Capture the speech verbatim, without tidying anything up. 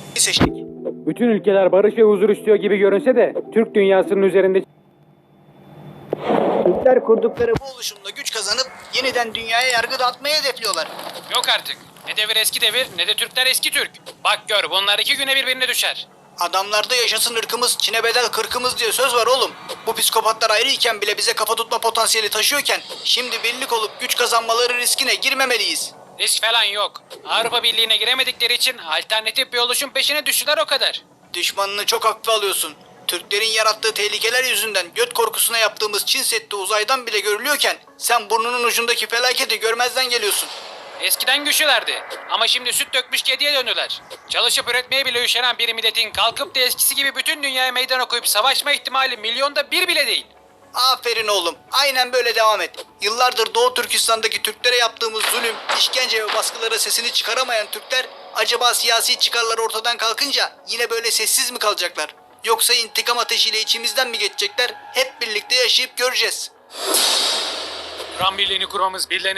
seçtik. Bütün ülkeler barış ve huzur istiyor gibi görünse de Türk dünyasının üzerinde Türkler kurdukları bu oluşumla güç kazanıp yeniden dünyaya yargı dağıtmayı hedefliyorlar. Yok artık. Ne devir eski devir ne de Türkler eski Türk. Bak gör bunlar iki güne birbirine düşer. Adamlarda yaşasın ırkımız, Çin'e bedel kırkımız diye söz var oğlum. Bu psikopatlar ayrıyken bile bize kafa tutma potansiyeli taşıyorken şimdi birlik olup güç kazanmaları riskine girmemeliyiz. Risk falan yok. Avrupa Birliği'ne giremedikleri için alternatif bir oluşum peşine düştüler o kadar. Düşmanını çok hafife alıyorsun. Türklerin yarattığı tehlikeler yüzünden göt korkusuna yaptığımız Çin Seddi uzaydan bile görülüyorken sen burnunun ucundaki felaketi görmezden geliyorsun. Eskiden güçlülerdi ama şimdi süt dökmüş kediye döndüler. Çalışıp üretmeye bile üşenen bir milletin kalkıp da eskisi gibi bütün dünyaya meydan okuyup savaşma ihtimali milyonda bir bile değil. Aferin oğlum. Aynen böyle devam et. Yıllardır Doğu Türkistan'daki Türklere yaptığımız zulüm, işkence ve baskılara sesini çıkaramayan Türkler acaba siyasi çıkarları ortadan kalkınca yine böyle sessiz mi kalacaklar? Yoksa intikam ateşiyle içimizden mi geçecekler? Hep birlikte yaşayıp göreceğiz. Kur'an birliğini kurmamız, birilerine